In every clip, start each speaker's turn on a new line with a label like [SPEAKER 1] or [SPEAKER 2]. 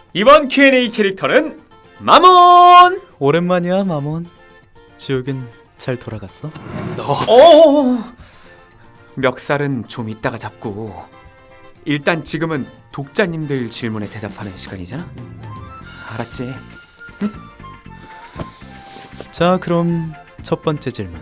[SPEAKER 1] 이번 Q&A 캐릭터는 마몬!
[SPEAKER 2] 오랜만이야 마몬. 지옥은 잘 돌아갔어?
[SPEAKER 1] 멱살은 좀 이따가 잡고 일단 지금은 독자님들 질문에 대답하는 시간이잖아? 알았지?
[SPEAKER 2] 자 그럼 첫 번째 질문.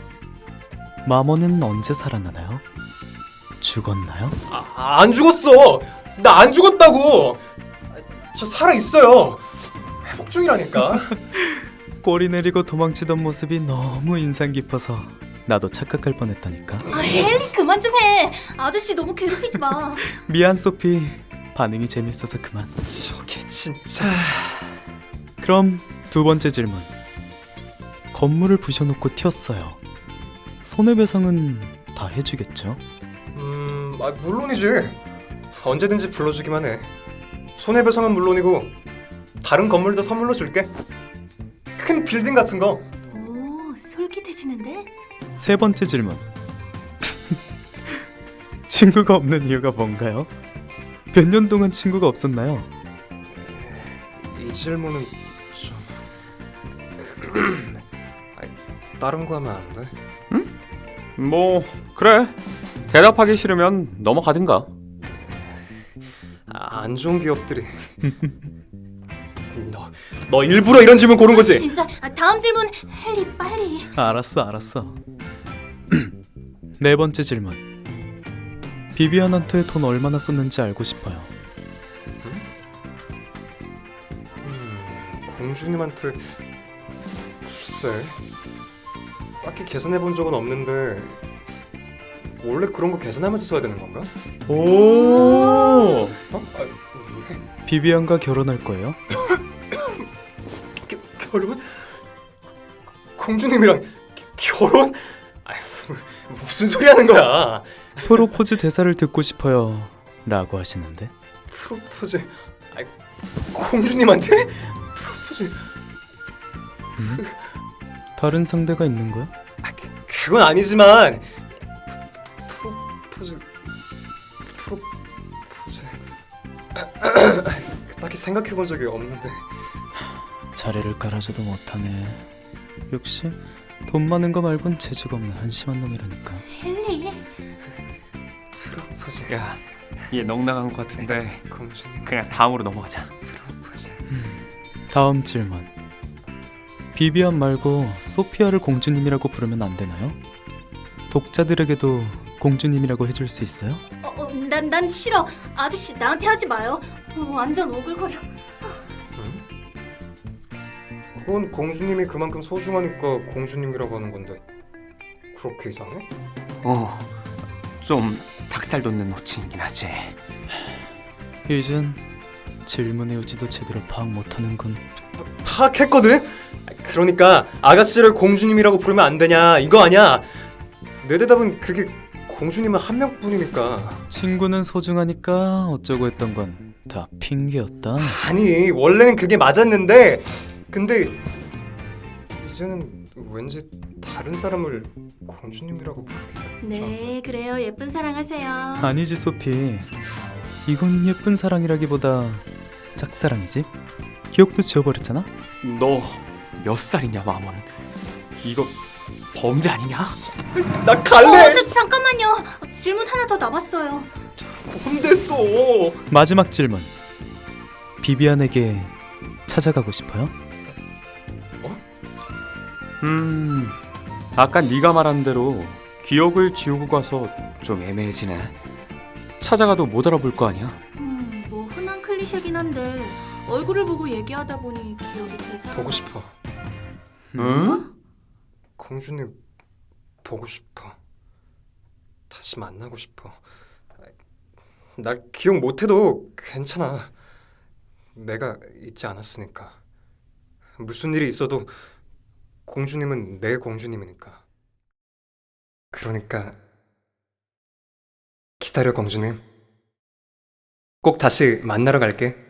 [SPEAKER 2] 마몬은 언제 살아나나요? 죽었나요?
[SPEAKER 3] 안 죽었어. 나 안 죽었다고. 저 살아 있어요. 회복 중이라니까.
[SPEAKER 2] 꼬리 내리고 도망치던 모습이 너무 인상 깊어서 나도 착각할 뻔했다니까.
[SPEAKER 4] 헨리 그만 좀 해. 아저씨 너무 괴롭히지 마.
[SPEAKER 2] 미안 소피. 반응이 재밌어서 그만.
[SPEAKER 3] 저게 진짜.
[SPEAKER 2] 그럼 두 번째 질문. 건물을 부셔놓고 튀었어요. 손해배상은 다 해주겠죠?
[SPEAKER 3] 물론이지. 언제든지 불러주기만 해. 손해배상은 물론이고 다른 건물도 선물로 줄게. 큰 빌딩 같은 거.
[SPEAKER 4] 오, 솔깃해지는데?
[SPEAKER 2] 세 번째 질문. 친구가 없는 이유가 뭔가요? 몇 년 동안 친구가 없었나요?
[SPEAKER 3] 이 질문은 좀. 다른 거 하면 안 돼?
[SPEAKER 1] 뭐 그래. 대답하기 싫으면 넘어가든가.
[SPEAKER 3] 안 좋은 기업들이. 너 일부러 이런 질문 고른 거지?
[SPEAKER 4] 진짜 다음 질문 헨리 빨리.
[SPEAKER 2] 알았어. 네 번째 질문. 비비안한테 돈 얼마나 썼는지 알고 싶어요.
[SPEAKER 3] 공주님한테 글쎄 딱히 계산해 본 적은 없는데 원래 그런 거 계산하면서 써야 되는 건가?
[SPEAKER 1] 오!
[SPEAKER 3] 왜?
[SPEAKER 2] 비비안과 결혼할 거예요?
[SPEAKER 3] 결혼? 공주님이랑 결혼? 무슨 소리 하는 거야?
[SPEAKER 2] 프로포즈 대사를 듣고 싶어요 라고 하시는데.
[SPEAKER 3] 프로포즈? 공주님한테? 프로포즈?
[SPEAKER 2] 다른 상대가 있는 거야?
[SPEAKER 3] 그건 아니지만 프로포즈 딱히 생각해 본 적이 없는데.
[SPEAKER 2] 자리를 깔아줘도 못하네. 역시 돈 많은 거 말곤 재주가 없는 한심한 놈이라니까.
[SPEAKER 4] 헨리.
[SPEAKER 3] 프로포즈.
[SPEAKER 1] 야, 얘 넉나간 것 같은데
[SPEAKER 3] 공주님
[SPEAKER 1] 그냥 다음으로 넘어가자.
[SPEAKER 3] 프로포즈.
[SPEAKER 2] 다음 질문. 비비안 말고 소피아를 공주님이라고 부르면 안 되나요? 독자들에게도 공주님이라고 해줄 수 있어요?
[SPEAKER 4] 난 싫어. 아저씨 나한테 하지 마요. 완전 오글거려.
[SPEAKER 3] 그건 공주님이 그만큼 소중하니까 공주님이라고 하는 건데 그렇게 이상해?
[SPEAKER 1] 좀 닭살 돋는 호칭이긴 하지.
[SPEAKER 2] 이젠 질문의 요지도 제대로 파악 못하는군.
[SPEAKER 3] 파악했거든? 그러니까 아가씨를 공주님이라고 부르면 안 되냐 이거 아니야. 내 대답은 그게 공주님은 한 명뿐이니까.
[SPEAKER 2] 친구는 소중하니까 어쩌고 했던 건 다 핑계였다.
[SPEAKER 3] 아니 원래는 그게 맞았는데 근데 이제는 왠지 다른 사람을 공주님이라고 부르기가.
[SPEAKER 4] 네, 그래요. 예쁜 사랑하세요.
[SPEAKER 2] 아니지 소피. 이건 예쁜 사랑이라기보다 짝사랑이지. 기억도 지워버렸잖아.
[SPEAKER 1] 너 몇 살이냐 마몬? 이거 범죄 아니냐?
[SPEAKER 3] 나 갈래.
[SPEAKER 4] 잠깐만요. 질문 하나 더 남았어요.
[SPEAKER 3] 뭔데 또?
[SPEAKER 2] 마지막 질문. 비비안에게 찾아가고 싶어요?
[SPEAKER 1] 아까 네가 말한 대로 기억을 지우고 가서 좀 애매해지네. 찾아가도 못 알아볼 거 아니야?
[SPEAKER 4] 뭐 흔한 클리셰긴 한데 얼굴을 보고 얘기하다 보니 기억이 되살아.
[SPEAKER 3] 보고 싶어.
[SPEAKER 1] 응?
[SPEAKER 3] 공주님 보고 싶어. 다시 만나고 싶어. 날 기억 못해도 괜찮아. 내가 잊지 않았으니까. 무슨 일이 있어도 공주님은 내 공주님이니까. 그러니까 기다려 공주님. 꼭 다시 만나러 갈게.